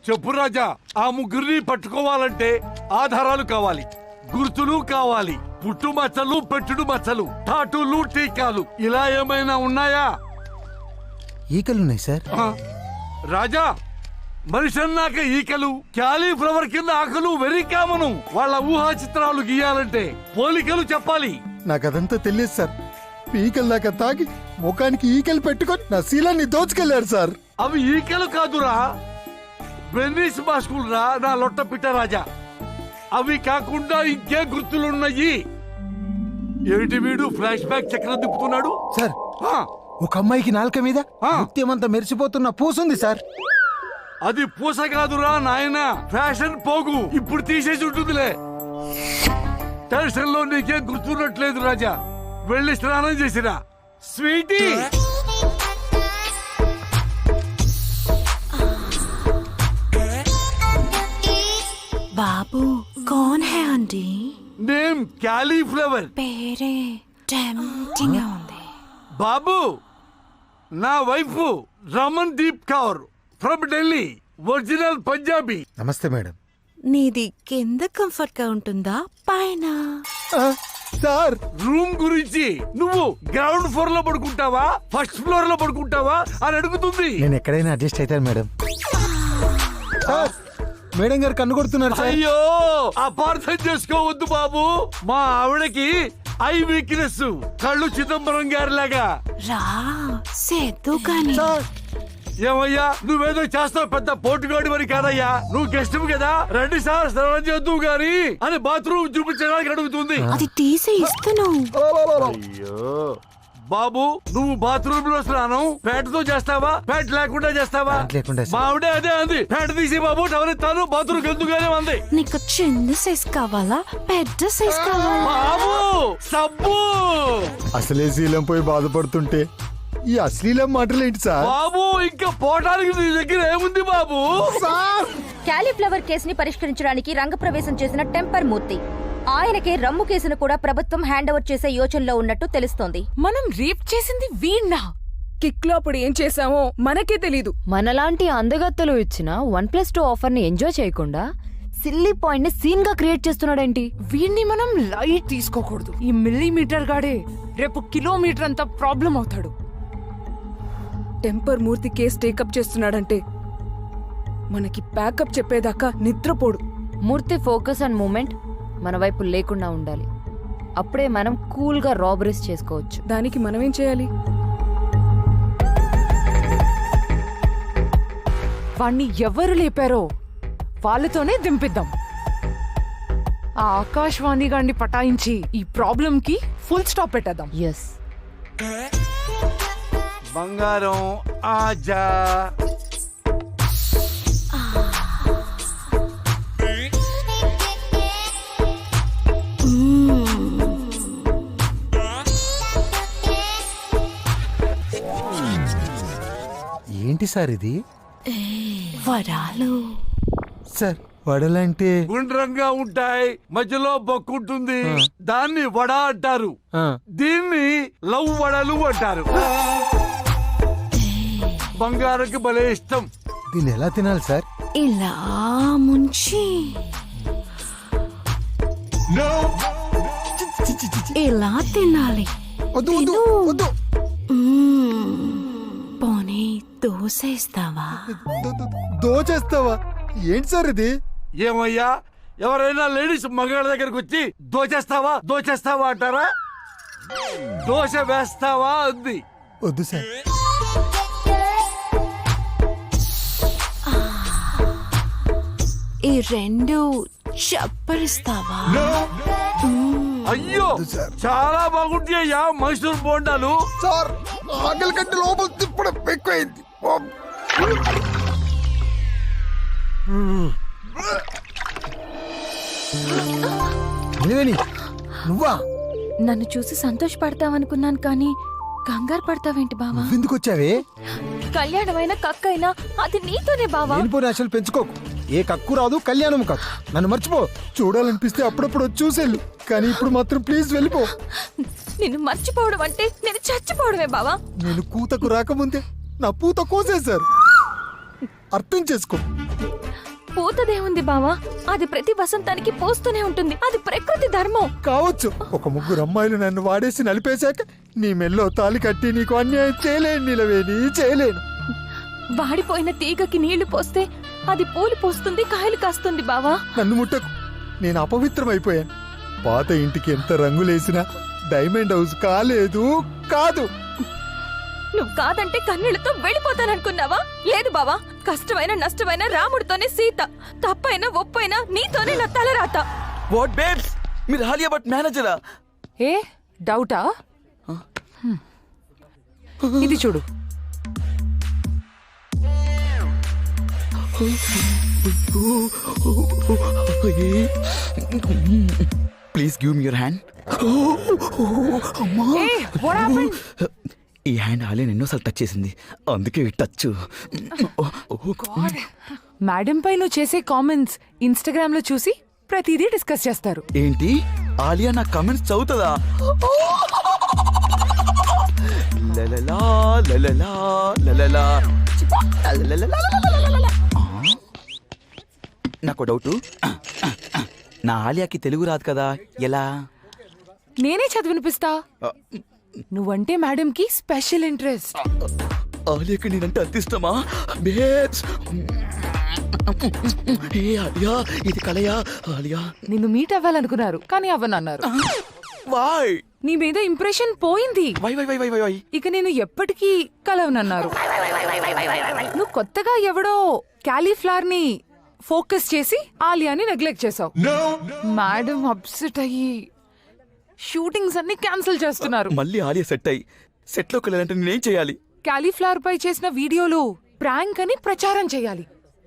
చెప్పు రాజా. ఆ ముగ్గురిని పట్టుకోవాలంటే ఆధారాలు కావాలి, గుర్తులు కావాలి, పుట్టు మచ్చలు, పెట్టుడు మచ్చలు, టాటూలు, టీకాలు ఇలా ఏమైనా ఉన్నాయా? ఈకలున్నాయి సార్. రాజా, మనిషి అన్నాక ఈకలు, క్యాలీఫ్లవర్ కింద ఆకలు వెరీ కామను. వాళ్ళ ఊహా చిత్రాలు గీయాలంటే పోలికలు చెప్పాలి. నాకదంతా తెలియదు సార్. ఈకలు దాకా తాగి ముఖానికి ఈకలు పెట్టుకొని నా శీలాన్ని దోచుకెళ్లారు సార్. అవి ఈకలు కాదురా, బెన్నీస్ మాస్కులు రా నా లొట్ట పిట్ట రాజా. అవి కాకుండా ఇంకే గుర్తులున్నాయి. ఏమిటి వీడు ఫ్లాష్ బ్యాక్ చక్రం తిప్పుతున్నాడు? సార్, ఆ, ఒక అమ్మాయికి నాలుక మీద ఆ. ముత్యమంతా మెరిసిపోతున్న పూసుంది సార్. అది పూస కాదురా నాయన, ఫ్యాషన్ పోగు. ఇప్పుడు తీసేసి ఉంటుందిలే. టెన్షన్ లో నీకేం గుర్తున్నట్లేదు రాజా. వెళ్ళి స్నానం చేసిరా స్వీటీ. బాబు कौन है आंटी? Name cauliflower. పేరే టెంప్టింగ్ గా ఉంది. బాబు, నా wife Ramandeep Kaur from Delhi, original Punjabi. Namaste madam. నీది కింద కంఫర్ట్ గా ఉంటుందా పైన? సార్, రూమ్ గురించి నువ్వు గ్రౌండ్ ఫ్లోర్ లో పడుకుంటావా, ఫస్ట్ ఫ్లోర్ లో పడుకుంటావా అని అడుగుతుంది. నేను ఎక్కడైనా అడ్జస్ట్ అవుతాను మేడం. సార్, మేడం గారు కన్ను కొడుతున్నారు సార్. అయ్యో, అపార్థం చేసుకోవద్దు బాబు. మా ఆవిడకి ఐ వీక్నెస్, కళ్ళు చిదంబరం గారి లాగా. రా సేద్దు కానీ. సార్, ఏమయ్యా, నువ్వేదో చేస్తావు, పెద్ద పోటుగాడి మరి కాదయ్యా. నువ్వు గెస్ట్ కదా, రండి సార్ స్నానం చేద్దువు గాని అని బాత్రూమ్ చూపించడానికి అడుగుతుంది. అది తీసి ఇస్తాను. అయ్యో బాబు, నువ్వు బాత్రూమ్ లో స్నానం ప్యాంటుతో చేస్తావా, ప్యాంట్ లేకుండా చేస్తావా? ప్యాంట్ లేకుండా సార్. మా ఆవిడే అదే అంది, ప్యాంట్ తీసి బాబు టవర్ ఇస్తాను, బాత్రూమ్ ఎందుకుగానే ఉంది. నీకు చిన్న సైజ్ కావాలా పెద్ద సైజ్ కావాలా? బాబు సబ్బు. అసలే శీలం పోయి బాధపడుతుంటే ఈ అశ్లీలం మాటలు ఏంటి సార్? బాబు, ఇంకా పోటానికి నీ దగ్గర ఏముంది బాబు? క్యాలీఫ్లవర్ కేసుని పరిష్కరించడానికి రంగప్రవేశం చేసిన టెంపర్ మూర్తి. ఆయనకే రమ్ము కేసును కూడా ప్రభుత్వం హ్యాండ్ ఓవర్ చేసే యోచనలో ఉన్నట్టు తెలుస్తోంది. మనం రేప్ చేసింది వీణ్ణా? కిక్ లో అప్పుడు ఏం చేసామో మనకే తెలీదు. మనలాంటి అందగత్తలు ఇచ్చిన 1+2 ఆఫర్ ని ఎంజాయ్ చేయకుండా సిల్లీ పాయింట్ ని సీన్ గా క్రియేట్ చేస్తున్నాడేంటి? వీణ్ణి మనం లైట్ తీసుకోకూడదు. ఈ మిల్లీమీటర్ గాడే రేపు కిలోమీటర్ అంతా ప్రాబ్లం అవుతాడు. టెంపర్ మూర్తి కేసు టేకప్ చేస్తున్నాడంటే మనకి ప్యాకప్ చెప్పేదాకా నిద్రపోడు. మూర్తి ఫోకస్ అండ్ మూమెంట్ మన వైపు లేకుండా ఉండాలి. అప్పుడే మనం కూల్ గా రాబరీస్ చేసుకోవచ్చు. దానికి మనమేం చేయాలి? వాణ్ణి ఎవరు లేపారో వాళ్ళతోనే దింపిద్దాం. ఆ ఆకాశవాణి గాన్ని పటాయించి ఈ ప్రాబ్లం కి ఫుల్ స్టాప్ పెట్టేద్దాం. ఎస్. బంగారం ఆజా. ఏంటి సార్ ఇది? వరాలు. సార్, వడలంటే గుండ్రంగా ఉంటాయి, మధ్యలో బొక్కుంటుంది, దాన్ని వడ అంటారు. దీన్ని లవ్ వడలు అంటారు. బంగారంకి భలే ఇష్టం. దీన్ని ఎలా తినాలి సార్? ఇలా ముంచి ఇలా తినాలి. వద్దు వద్దు వద్దు. పోనీ దోశ ఇస్తావా? దోచేస్తావా? ఏంటి సార్ ఇది? ఏమయ్యా, ఎవరైనా లేడీస్ మగాళ్ళ దగ్గరకు వచ్చి దోచేస్తావా దోచేస్తావా అంటారా? దోశ వేస్తావా అంది. వద్దు సార్. ఈ రెండు చప్పరిస్తావా? అయ్యో, చాలా బాగుంటాయ్యా మైసూర్ బోండాలు. సార్, ఆకలి కంటే లోపల తిప్పడం ఎక్కువైంది. నువ్వా? నన్ను చూసి సంతోషపడతావనుకున్నాను కానీ కంగారు పడతావేంటి బావా? ఎందుకు వచ్చావే? కళ్యాణమైన కక్కైనా అది నీతోనే బావా. లేనిపోయిన ఆశలు పెంచుకోకు. ఏ కక్కు రాదు, కళ్యాణం కాదు. నన్ను మర్చిపో. చూడాలనిపిస్తే అప్పుడప్పుడు వచ్చి చూసేళ్ళు, కానీ ఇప్పుడు మాత్రం ప్లీజ్ వెళ్ళిపో. నిన్ను మర్చిపోవడం అంటే నేను చచ్చిపోవడమే బావా. నేను కూతకు రాకముందే నా పూత కోసేశారు. అర్థం చేసుకో. పూతదేముంది బావా, అది ప్రతి వసంతానికి పూస్తూనే ఉంటుంది. అది ప్రకృతి ధర్మం. కావచ్చు. ఒక ముగ్గురు అమ్మాయిలు నన్ను వాడేసి నలిపేశాక నీ మెల్లో తాలి కట్టి నీకు అన్యాయం చేయలేను నిలవేని, చేయలేను. వాడిపోయిన తీగకి నీళ్లు పోస్తే అది పూలు పోస్తుంది, కాయలు కాస్తుంది బావా. నన్ను ముట్టకు, నేను అపవిత్రమైపోయాను. పాత ఇంటికి ఎంత రంగులేసినా డైమండ్ హౌస్ కాలేదు, కాదు. నువ్వు కాదంటే కన్నీళ్లతో వెళ్ళిపోతాననుకున్నావా? లేదు బావా, కష్టమైన నష్టమైన రాముడితోనే సీత, తప్పైనా ఒప్పైనా నీతోనే నా తలరాత. వాట్ బేబ్స్, మీరు ఆలియా భట్ మేనేజరా? ఏ డౌటా? ఇది చూడు. Please give me your hand. Hey what happened? ఈ హ్యాండ్ ఆలియా ఎన్నోసార్లు టచ్ చేసింది, అందుకే ఈ టచ్. మేడం పై నువ్వు చేసే కామెంట్స్ ఇన్స్టాగ్రామ్ లో చూసి ప్రతిదీ డిస్కస్ చేస్తారు. ఏంటి, ఆలియా నా కమెంట్స్ చదువుతుందా? లలలా, లలలా, లలలా. నాకు డౌట్, నా ఆలియాకి తెలుగు రాదు కదా, ఎలా? నేనే చదివినిపిస్తా. నువ్వంటే మేడం కి స్పెషల్ ఇంట్రెస్ట్. ఆలియాకి నేనంటే అంత ఇష్టమా? బేబ్స్, ఏ ఆలియా, ఇది కలయా? ఆలియా నిన్ను మీట్ అవ్వాలనుకున్నారు కానీ అవ్వనన్నారు. వై నీ మీద ఇంప్రెషన్ పోయింది. Why why why why why why ఇక నేను ఎప్పటికీ కలవనన్నారు. నువ్వు కొత్తగా ఎవడో క్యాలీఫ్లవర్ ని ఫోకస్ చేసి ఆలియాని నెగ్లెక్ట్ చేసావు. మేడం అప్సెట్ అయ్యి షూటింగ్స్ అన్ని క్యాన్సిల్ చేస్తున్నారు. మళ్ళీ ఆలియా సెట్ అయ్యి సెట్లోకి వెళ్ళాలంటే నేనేం చేయాలి? క్యాలీఫ్లవర్ పై చేసిన వీడియోలు ప్రాంక్ అని ప్రచారం చేయాలి.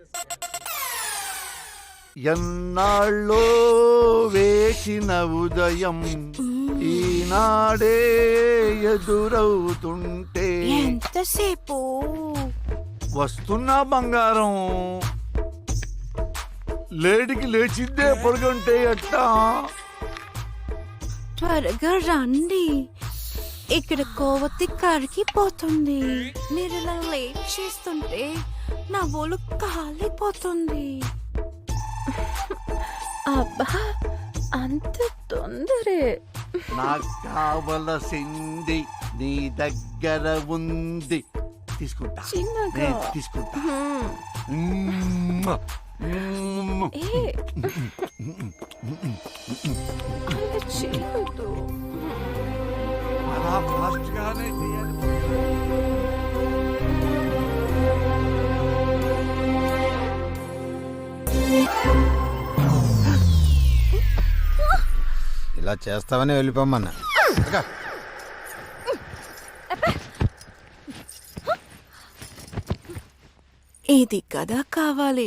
ఎన్నాళ్ళో వేసిన ఉదయం ఈనాడే ఎదురవుతుంటే ఎంతసేపు వస్తున్నా బంగారం, లేడికి లేచిందే పొరగంటే ఎట్టా? త్వరగా రండి, ఇక్కడ కోవతి కరిగిపోతుంది. మీరు ఇలా లేట్ చేస్తుంటే నా ఒళ్ళు కాలిపోతుంది. అబ్బా, అంత తొందరే? నాకు కావలసింది నీ దగ్గర ఉంది, తీసుకుంటా. చిన్నగా. నేను తీసుకుంటా. ఏ, అలా చేయొద్దు. అలా ఫాస్ట్ గానే చేయాలి. ఇలా చేస్తావని వెళ్ళిపోమ్మన్నా. ఇది కదా కావాలి.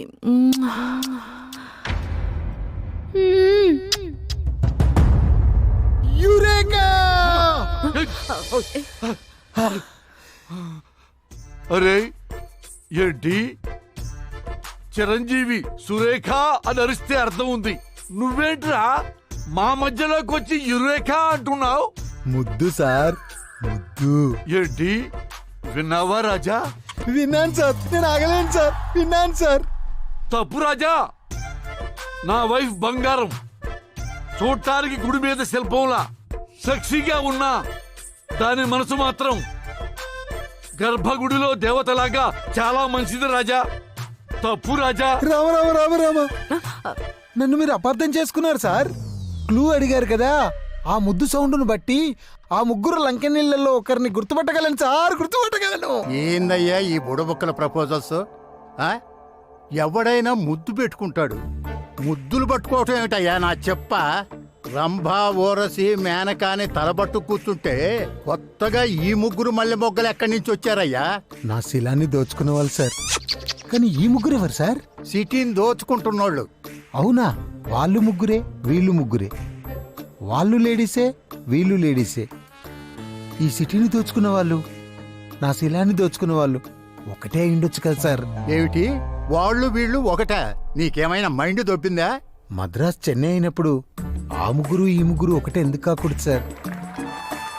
అరే ఏంటి, చిరంజీవి సురేఖ అని అరిస్తే అర్థం ఉంది, నువ్వేంట్రా మా మధ్యలోకి వచ్చి యురేఖ అంటున్నావు? ముద్దు సార్, ముద్దు. ఏంటి, విన్నావా రాజా? విన్నాను సార్, నేను ఆగలేను సార్, విన్నాను సార్. తప్పు రాజా, నా వైఫ్ బంగారం, చూడటానికి గుడి మీద శిల్పంలా సెక్సీగా ఉన్నా దాని మనసు మాత్రం గర్భగుడిలో దేవతలాగా చాలా మంచిది రాజా. తప్పు రాజా. రామ రామ రామ రామ, నన్ను మీరు అపార్థం చేసుకున్నారు సార్. క్లూ అడిగారు కదా, ఆ ముద్దు సౌండ్ను బట్టి ఆ ముగ్గురు లంకెనీళ్ళల్లో ఒకరిని గుర్తుపట్టగలను సార్, గుర్తుపట్టగలను. ఏందయ్యా ఈ బుడబుక్కల ప్రపోజల్స్? ఎవడైనా ముద్దు పెట్టుకుంటాడు, ముద్దులు పట్టుకోవటం ఏమిటయ్యా నా చెప్ప? రంభా, ఓరసి, మేనకాని తలబట్టు కూర్చుంటే కొత్తగా ఈ ముగ్గురు మల్లె మొగ్గలు ఎక్కడి నుంచి వచ్చారయ్యా? నా శిలాన్ని దోచుకున్న వాళ్ళు సార్. కానీ ఈ ముగ్గురు ఎవరు సార్? సిటీని దోచుకుంటున్నోళ్ళు. అవునా, వాళ్ళు ముగ్గురే, వీళ్ళు ముగ్గురే. వాళ్ళు లేడీసే, వీళ్ళు లేడీసే. ఈ సిటీని దోచుకున్న వాళ్ళు, నా శిలాన్ని దోచుకున్న వాళ్ళు ఒకటే అయిండొచ్చు కదా సార్. ఏమిటి వాళ్ళు వీళ్ళు ఒకట? నీకేమైనా మైండ్ దొబ్బిందా? మద్రాస్ చెన్నై అయినప్పుడు ఆ ముగ్గురు ఈ ముగ్గురు ఒకటే ఎందుకు కాకూడదు సార్?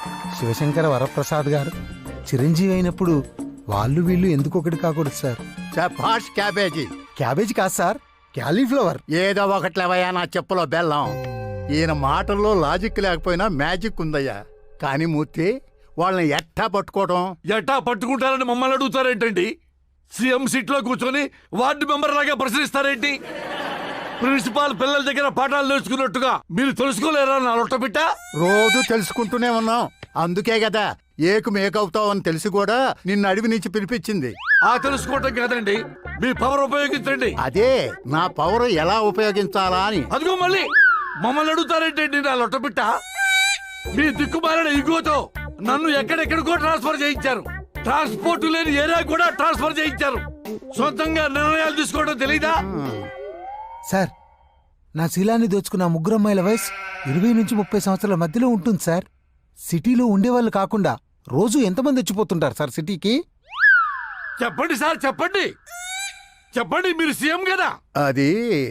శివశంకర వరప్రసాద్ గారు చిరంజీవి అయినప్పుడు వాళ్ళు వీళ్ళు ఎందుకు ఒకటి కాకూడదు సార్? చపాష్ క్యాబేజీ. క్యాబేజీ కాదు సార్, క్యాలీఫ్లవర్. ఏదో ఒకట్లేవయ్యా నా చెప్పులో బెల్లం. ఈయన మాటల్లో లాజిక్ లేకపోయినా మ్యాజిక్ ఉందయ్యా. కానీ మూర్తి, వాళ్ళని ఎట్టా పట్టుకోవడం? ఎట్టా పట్టుకుంటారని మమ్మల్ని అడుగుతారేంటండి? సీఎం సీట్ లో కూర్చొని వార్డు మెంబర్ లాగా ప్రశ్నిస్తారేంటి? ప్రిన్సిపాల్ పిల్లల దగ్గర పాఠాలు నేర్చుకున్నట్టుగా మీరు తెలుసుకోలేరా నా లొట్టపిట్ట? రోజు తెలుసుకుంటూనే ఉన్నాం. అందుకే కదా ఏకు మేకవుతావు అని తెలిసి కూడా నిన్ను అడవి నుంచి పిలిపించింది. ఆ తెలుసుకోవటం కాదండి, మీ పవర్ ఉపయోగించండి. అదే నా పవర్ ఎలా ఉపయోగించాలా అని. అదిగో మళ్ళీ మమ్మల్ని అడుగుతారేంటండి నా లొట్టపిట్ట? మీ దిక్కుమాలిన ఇగోతో నన్ను ఎక్కడెక్కడికో ట్రాన్స్ఫర్ చేయించారు. ట్రాన్స్పోర్ట్ లేని ఏరియా కూడా ట్రాన్స్ఫర్ చేయించారు. సొంతంగా నిర్ణయాలు తీసుకోవడం తెలీదా? సార్, నా శీలాన్ని దోచుకున్న ఆ ముగ్గురు అమ్మాయిల వయసు 20 నుంచి 30 సంవత్సరాల మధ్యలో ఉంటుంది సార్. సిటీలో ఉండేవాళ్ళు కాకుండా రోజు ఎంతమంది వచ్చిపోతుంటారు సార్ సిటీకి? చెప్పండి సార్, చెప్పండి చెప్పండి, మీరు సీఎం కదా. అది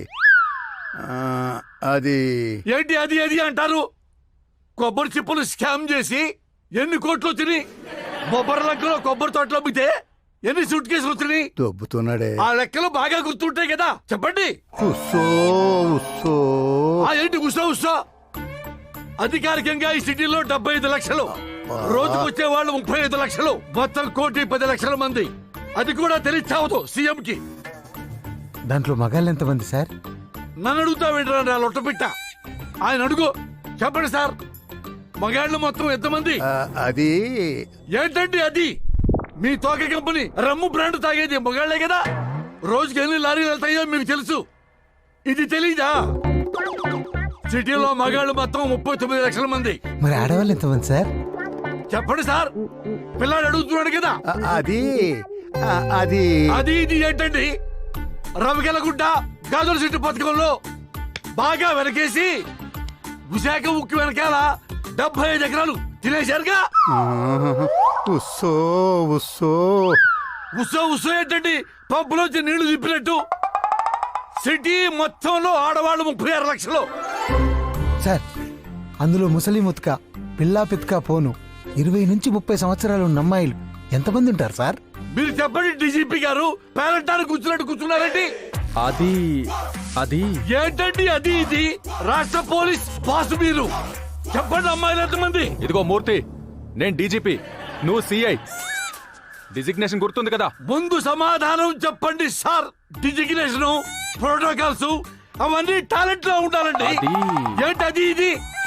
అది ఏంటి అది అది అంటారు? కొబ్బరి చిప్పలు స్కామ్ చేసి ఎన్ని కోట్లు వచ్చినాయి? బొబ్బరి లంకలో కొబ్బరి తోటలో అమ్మితే ఎన్ని సూట్ కేసులు వచ్చినాయి? దొబ్బుతున్నాడే. ఆ లెక్కలు బాగా గుర్తుంటాయి కదా, చెప్పండి. ఉస్సో ఉస్సో. ఏంటి ఉత్సవ ఉత్సవ? అధికారికంగా ఈ సిటీలో 75 లక్షలు, రోజుకు వచ్చే వాళ్ళు 35 లక్షలు, మొత్తం 1,10,00,000 మంది. అది కూడా తెలియచావదు సీఎం కి. దాంట్లో మగాళ్ళు ఎంతమంది సార్? నన్ను అడుగుతావేంట్రా నా లొట్టపిట్ట? ఆయన అడుగు, చెప్పండి సార్. మగాళ్ళు మొత్తం ఎంతమంది? అది ఏంటండి అది? మీ తోక కంపెనీ రమ్ము బ్రాండ్ తాగేది మగాళ్లే కదా. రోజుకి ఎన్ని లారీలు వెళ్తాయో మీకు తెలుసు. ఇది తెలీదా? సిటీలో మగాళ్ళు మొత్తం 39 లక్షల మంది. మరి ఆడవాళ్ళు ఎంతమంది సార్? చెప్పండి సార్, పిల్లాడు అడుగుతున్నాడు కదా. అది అది అది ఇది ఏంటండి? రవికెలగుడ్డ గాజుల చెట్టు పథకంలో బాగా వెనకేసి విశాఖ ఉక్కు వెనకాల 75 ఎకరాలు తినేశారుగా. ఉస్సో ఉస్సో. ఉత్సవ ఉత్సవం ఏంటండి? పంపులోంచి నీళ్లు తిప్పినట్టు. సిటీ మొత్తంలో ఆడవాళ్ళు 36 లక్షలు. సార్, అందులో ముసలి ముత్క, పిల్లా పిత్క పోను 20 నుంచి 30 సంవత్సరాలు ఉన్న అమ్మాయిలు ఎంతమంది ఉంటారు సార్? మీరు చెప్పండి డీజీపీ గారు, పేరంటారు కూర్చున్నట్టు కూర్చున్నారండి. అది అది ఏంటండి అది ఇది? రాష్ట్ర పోలీస్ బాస్ మీరు. చెప్పండి అమ్మాయిలు ఎంతమంది? ఇదిగో మూర్తి, నేను డీజీపీ, నువ్వు సిఐ. డిజిగ్నేషన్ గుర్తుంది కదా? ముందు సమాధానం చెప్పండి సార్. డిజిగ్నేషన్, ప్రోటోకాల్స్ అవన్నీ టాలెంట్ లో ఉండాలండి. ఏంటి అది ఇది?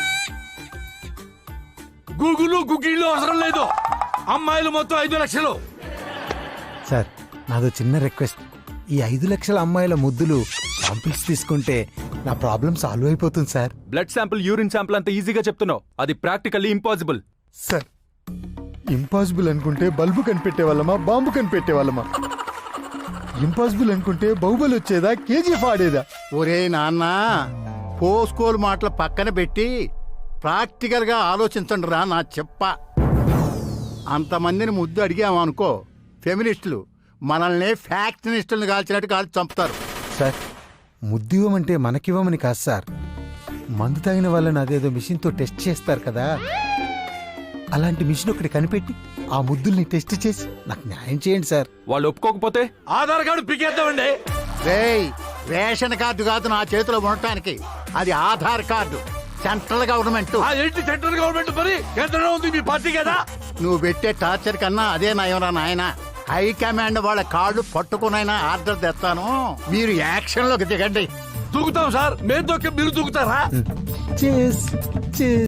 గూగుల్ గుగ్గిళ్ళు అవసరం లేదు. అమ్మాయిలు మొత్తం 5 లక్షలు. సార్, నాదో చిన్న రిక్వెస్ట్. ఈ 5 లక్షల అమ్మాయిల ముద్దులు శాంపిల్స్ తీసుకుంటే నా ప్రాబ్లం సాల్వ్ అయిపోతుంది sir. Blood sample, urine sample అంత ఈజీగా చెప్తున్నావు. అది ప్రాక్టికల్లీ ఇంపాసిబుల్. సార్, ఇంపాసిబుల్ అనుకుంటే బల్బు కనిపెట్టే వాళ్ళమా, బాంబు కనిపెట్టే వాళ్ళమా? ఇంపాసిబుల్ అనుకుంటే బాహుబలి వచ్చేదా, కేజీఎఫ్ ఆడేదా? ఒరే నాన్న, పోస్కోల్ మాటలు పక్కన పెట్టి ప్రాక్టికల్ గా ఆలోచించండి రా నా చెప్ప. అంతమందిని ముద్దు అడిగామనుకో, ఫెమినిస్టులు మనల్ని ఫ్యాక్షనిస్టులను కాల్చినట్టు కాల్చి చంపుతారు. సార్, ముద్దివ్వమంటే మనకివ్వమని కాదు సార్. మందు తాగిన వాళ్ళని అదేదో మిషన్తో టెస్ట్ చేస్తారు కదా, అలాంటి మిషన్ ఒకటి కనిపెట్టి ఆ ముద్దుల్ని టెస్ట్ చేసి నాకు న్యాయం చేయండి సార్. వాళ్ళు ఒప్పుకోకపోతే ఆధార్ కార్డు పికేద్దామండి. రేయ్, రేషన్ కార్డు కాదు నా చేతిలో ఉండటానికి, అది ఆధార్ కార్డు. Central government. ఆ ఏంటి సెంట్రల్ గవర్నమెంట్ మరి? కేంద్రంలో ఉంది మీ పార్టీ కదా. నువ్వు పెట్టే టార్చర్ కన్నా అదే నయంరా నాయన. హైకమాండ్ వాళ్ళ కార్డు పట్టుకునైనా ఆర్డర్ తెస్తాను, మీరు యాక్షన్ లోకి దిగండి. దూకుతాం సార్. మేము దొక్కి మీరు దూకుతారా? చేస్ చేస్